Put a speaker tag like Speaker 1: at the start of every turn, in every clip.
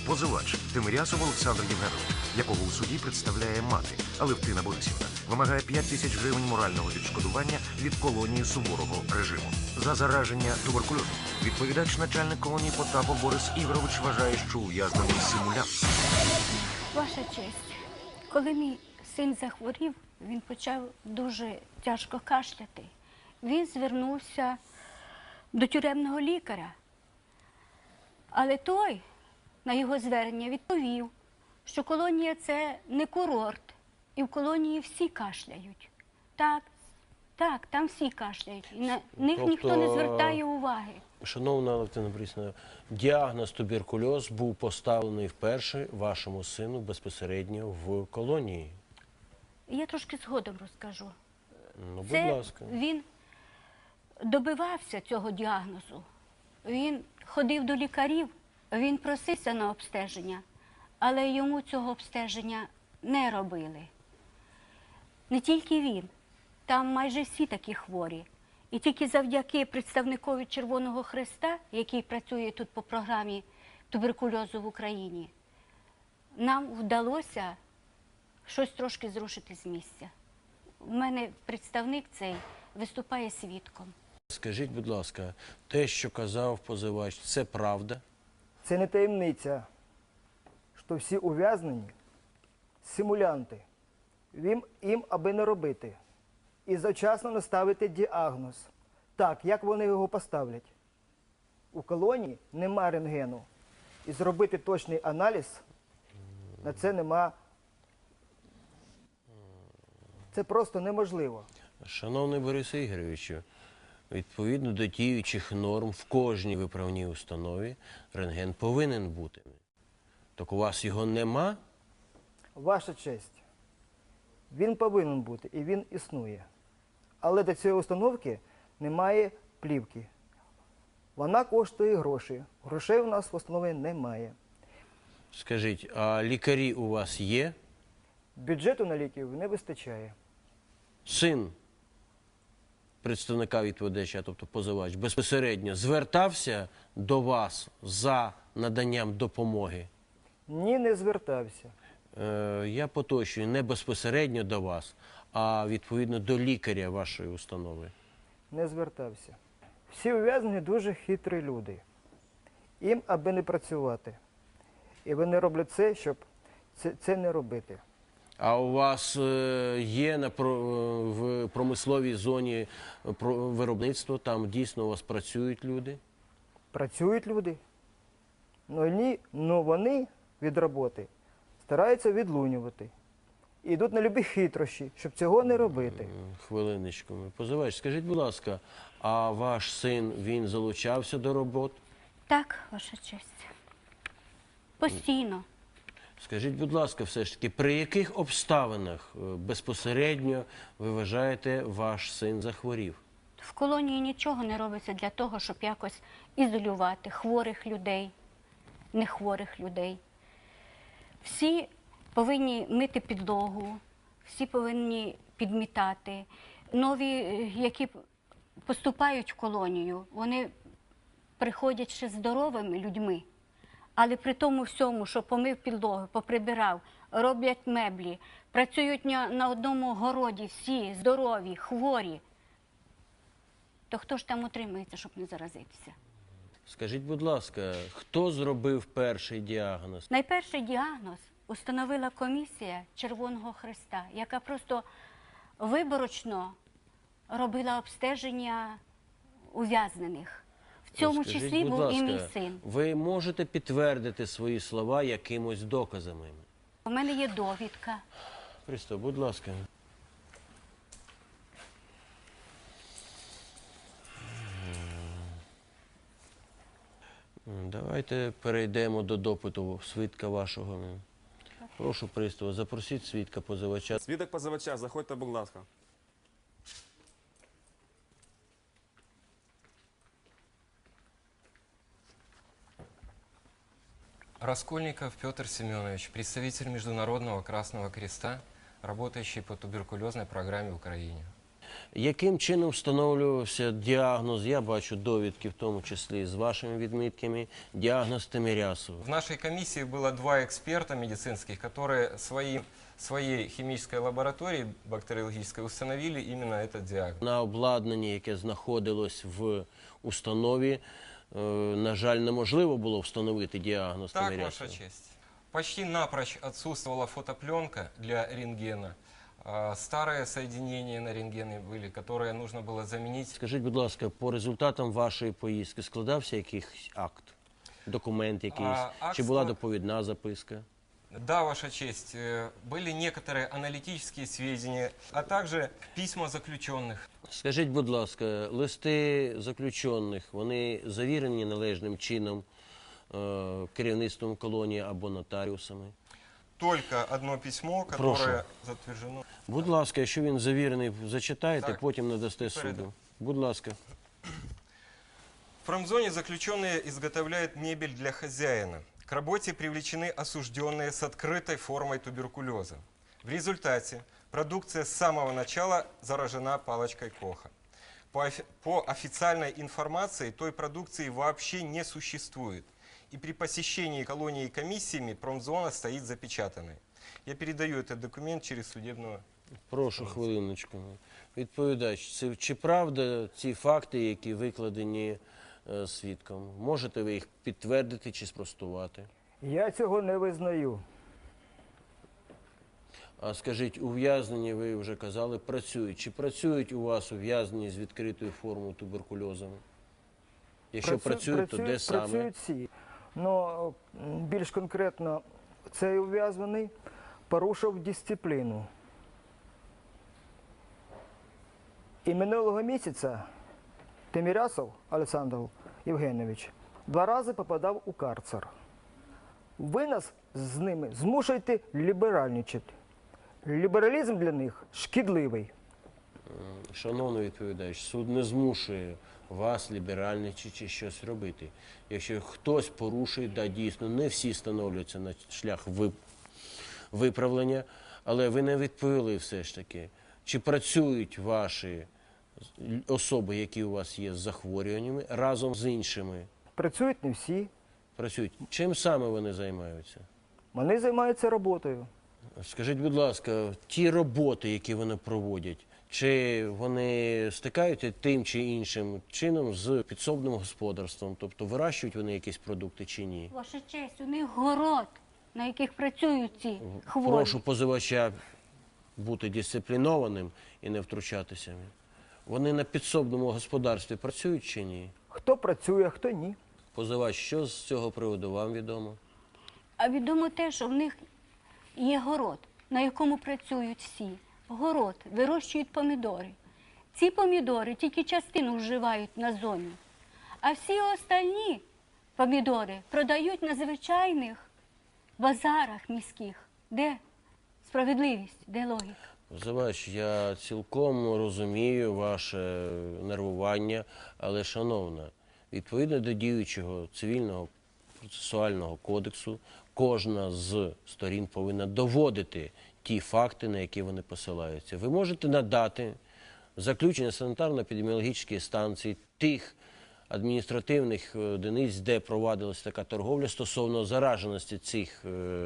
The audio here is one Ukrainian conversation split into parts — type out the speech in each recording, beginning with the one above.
Speaker 1: Позивач Тимирясов Олександр Євгенович, якого у суді представляє мати Алевтина Борисівна, вимагає 5 тисяч гривень морального відшкодування від колонії суворого режиму. За зараження туберкульозом відповідач начальник колонії Потапов Борис Ігорович вважає, що ув'язнений симулянт.
Speaker 2: Ваша честь, коли мій син захворів, він почав дуже тяжко кашляти. Він звернувся до тюремного лікаря. Але той на його звернення відповів, що колонія – це не курорт, і в колонії всі кашляють. Так, там всі кашляють, і на них ніхто не звертає уваги.
Speaker 3: Шановна Алевтина Борисівна, діагноз туберкульоз був поставлений вперше вашому сину безпосередньо в колонії.
Speaker 2: Я трошки згодом розкажу.
Speaker 3: Ну, будь ласка.
Speaker 2: Він добивався цього діагнозу. Він ходив до лікарів, він просився на обстеження, але йому цього обстеження не робили. Не тільки він, там майже всі такі хворі. І тільки завдяки представникові Червоного Хреста, який працює тут по програмі туберкульозу в Україні, нам вдалося щось трошки зрушити з місця. У мене представник цей виступає свідком.
Speaker 3: Скажіть, будь ласка, те, що казав позивач, це правда?
Speaker 4: Це не таємниця, що всі ув'язнені – симулянти. Їм аби не робити. І завчасно не ставити діагноз. Так, як вони його поставлять? У колонії нема рентгену. І зробити точний аналіз на це нема. Це просто неможливо.
Speaker 3: Шановний Борисе Ігоровичу, відповідно до діючих норм в кожній виправній установі рентген повинен бути. Так у вас його нема?
Speaker 4: Ваша честь, він повинен бути і він існує. Але до цієї установки немає плівки. Вона коштує гроші. Грошей у нас в установі немає.
Speaker 3: Скажіть, а лікарі у вас є?
Speaker 4: Бюджету на ліків не вистачає.
Speaker 3: Син представника відповідача, тобто позивач, безпосередньо звертався до вас за наданням допомоги?
Speaker 4: Ні, не звертався.
Speaker 3: Я поточую, не безпосередньо до вас, а відповідно до лікаря вашої установи.
Speaker 4: Не звертався. Всі ув'язнені дуже хитрі люди. Їм аби не працювати. І вони роблять це, щоб це не робити.
Speaker 3: А у вас є в промисловій зоні виробництво, там дійсно у вас працюють люди?
Speaker 4: Працюють люди. Но вони від роботи стараються відлунювати. І йдуть на любі хитрощі, щоб цього не робити.
Speaker 3: Хвилиночку. Позивач, скажіть, будь ласка, а ваш син, він залучався до робот?
Speaker 2: Так, ваша честь. Постійно.
Speaker 3: Скажіть, будь ласка, все ж таки, при яких обставинах безпосередньо, ви вважаєте, ваш син захворів?
Speaker 2: В колонії нічого не робиться для того, щоб якось ізолювати хворих людей, нехворих людей. Всі повинні мити підлогу, всі повинні підмітати. Нові, які поступають в колонію, вони приходять ще здоровими людьми. Але при тому всьому, що помив підлогу, поприбирав, роблять меблі, працюють на одному городі всі здорові, хворі, то хто ж там утримується, щоб не заразитися?
Speaker 3: Скажіть, будь ласка, хто зробив перший діагноз?
Speaker 2: Найперший діагноз установила комісія Червоного Хреста, яка просто виборочно робила обстеження ув'язнених. В цьому
Speaker 3: Скажіть,
Speaker 2: числі
Speaker 3: будь
Speaker 2: був і мій
Speaker 3: ласка,
Speaker 2: син.
Speaker 3: ви можете підтвердити свої слова якимось доказами?
Speaker 2: У мене є довідка.
Speaker 3: Христо, будь ласка. Давайте перейдемо до допиту свідка вашого. Прошу, пристава, запросіть свідка позивача.
Speaker 5: Свідок позивача, заходьте, будь ласка.
Speaker 6: Раскольников Петр Семенович, представитель Международного Красного Креста, работающий по туберкулезной программе в Украине.
Speaker 3: Яким чином встановлювався діагноз, я бачу довідки, в тому числі з вашими відмітками, діагноз Тимирясова?
Speaker 6: В нашей комиссии было два эксперта медицинских, которые своей химической лаборатории бактериологической установили именно этот диагноз.
Speaker 3: На обладнанні, яке знаходилось в установі, на жаль, неможливо було встановити діагноз
Speaker 6: Так,
Speaker 3: Тимирясова.
Speaker 6: Ваша честь. Почти напрочь отсутствовала фотопленка для рентгена. Старые соединения на рентгене были, которые нужно было заменить.
Speaker 3: Скажіть, будь ласка, по результатам вашої поїздки складався якийсь акт, документ якийсь,
Speaker 6: акт
Speaker 3: чи була
Speaker 6: склад-
Speaker 3: доповідна записка?
Speaker 6: Да, Ваша честь, были некоторые аналитические сведения, а также письма заключенных.
Speaker 3: Скажіть, будь ласка, листи заключених, вони завірені належним чином керівництвом колонії або нотаріусами?
Speaker 6: Только одно письмо,
Speaker 3: Прошу.
Speaker 6: которое затверждено.
Speaker 3: Будь ласка, якщо він завірений, зачитайте,
Speaker 6: Так.
Speaker 3: потім надасте
Speaker 6: Передам.
Speaker 3: суду. Будь ласка.
Speaker 6: В промзоне заключенные изготовляют мебель для хозяина. К работе привлечены осужденные с открытой формой туберкулеза. В результате продукция с самого начала заражена палочкой Коха. По официальной информации той продукции вообще не существует. И при посещении колонии комиссиями промзона стоит запечатанной. Я передаю этот документ через судебного.
Speaker 3: Прошу хвилиночку. Відповідач, чи правда ці факти, які викладені свідком? Можете ви їх підтвердити чи спростувати?
Speaker 4: Я цього не визнаю.
Speaker 3: А скажіть, ув'язнені, ви вже казали, працюють. Чи працюють у вас ув'язнені з відкритою формою туберкульозом? Якщо працюють, то де саме?
Speaker 4: Працюють всі. Но більш конкретно цей ув'язнений порушив дисципліну. І минулого місяця Тимирясов Олександр Євгенович 2 рази попадав у карцер. Ви нас з ними змушуєте ліберальничати. Лібералізм для них шкідливий.
Speaker 3: Шановний відповідач, суд не змушує вас ліберальничати чи щось робити. Якщо хтось порушує, да, дійсно, не всі становляться на шлях виправлення, але ви не відповіли все ж таки. Чи працюють ваші особи, які у вас є з захворюваннями, разом з іншими?
Speaker 4: Працюють не всі.
Speaker 3: Працюють. Чим саме вони займаються?
Speaker 4: Вони займаються роботою.
Speaker 3: Скажіть, будь ласка, ті роботи, які вони проводять, чи вони стикаються тим чи іншим чином з підсобним господарством? Тобто вирощують вони якісь продукти чи ні?
Speaker 2: Ваша честь, у них город, на яких працюють ці хворі.
Speaker 3: Прошу позивача бути дисциплінованим і не втручатися. Вони на підсобному господарстві працюють чи ні?
Speaker 4: Хто працює, а хто ні.
Speaker 3: Позивач, що з цього приводу вам відомо?
Speaker 2: А відомо те, що в них є город, на якому працюють всі. Город, вирощують помідори. Ці помідори тільки частину вживають на зоні, а всі остальні помідори продають на звичайних базарах міських. Де справедливість, де логіка?
Speaker 3: Позивач, я цілком розумію ваше нервування, але, шановна, відповідно до діючого цивільного процесуального кодексу, кожна з сторін повинна доводити ті факти, на які вони посилаються. Ви можете надати заключення санітарно-епідеміологічної станції тих адміністративних одиниць, де провадилася така торговля стосовно зараженості цих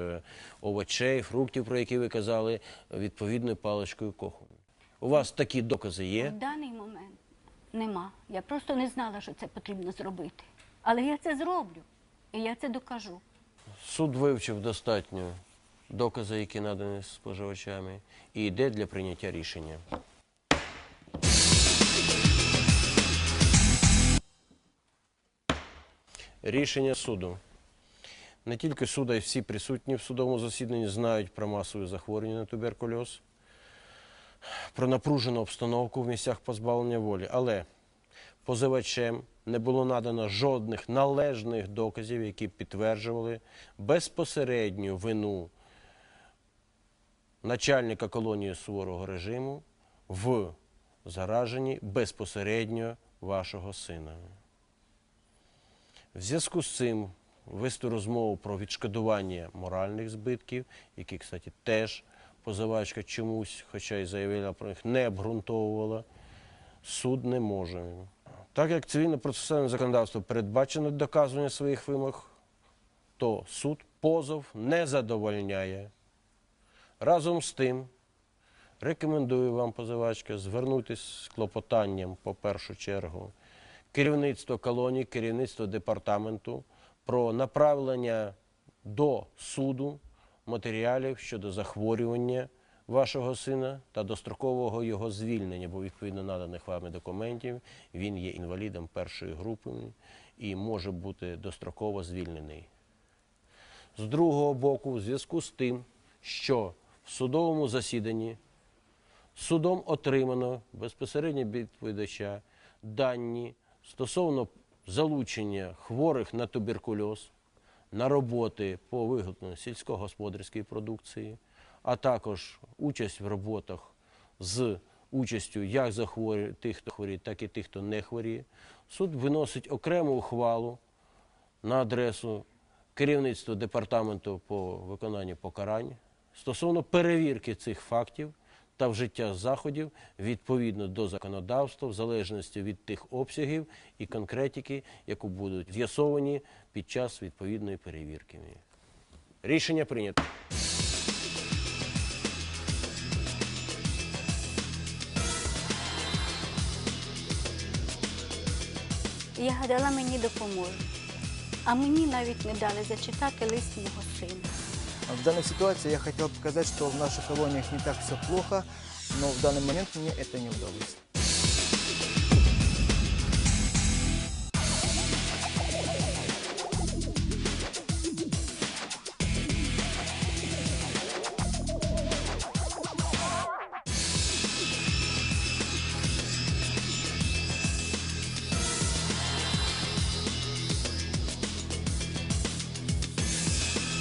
Speaker 3: овочей, фруктів, про які ви казали, відповідною паличкою Коху. У вас такі докази є?
Speaker 2: В даний момент нема. Я просто не знала, що це потрібно зробити. Але я це зроблю, і я це докажу.
Speaker 3: Суд вивчив достатньо докази, які надані споживачами, і йде для прийняття рішення. Рішення суду. Не тільки суд, а й всі присутні в судовому засіданні знають про масові захворювання на туберкульоз, про напружену обстановку в місцях позбавлення волі. Але позивачем не було надано жодних належних доказів, які підтверджували безпосередню вину начальника колонії суворого режиму в зараженні безпосередньо вашого сина. В зв'язку з цим вести розмову про відшкодування моральних збитків, які, кстати, теж позивачка чомусь, хоча й заявила про них, не обґрунтовувала, суд не може. Так як цивільно-процесуальне законодавство передбачено доказування своїх вимог, то суд позов не задовольняє. Разом з тим, рекомендую вам, позивачка, звернутися з клопотанням, по першу чергу, керівництво колонії, керівництво департаменту про направлення до суду матеріалів щодо захворювання вашого сина та дострокового його звільнення, бо відповідно наданих вами документів він є інвалідом першої групи і може бути достроково звільнений. З другого боку, в зв'язку з тим, що в судовому засіданні судом отримано безпосередньо від відповідача дані стосовно залучення хворих на туберкульоз на роботи по виготовленню сільськогосподарської продукції, а також участь в роботах з участю як тих, хто хворіє, так і тих, хто не хворіє, суд виносить окрему ухвалу на адресу керівництва департаменту по виконанню покарань стосовно перевірки цих фактів та вжиття заходів відповідно до законодавства, в залежності від тих обсягів і конкретики, які будуть з'ясовані під час відповідної перевірки. Рішення прийнято.
Speaker 2: Я гадала, мені допоможуть. А мені навіть не дали зачитати лист мого сина.
Speaker 4: В данной ситуации я хотел показать, что в наших колониях не так все плохо, но в данный момент мне это не удалось.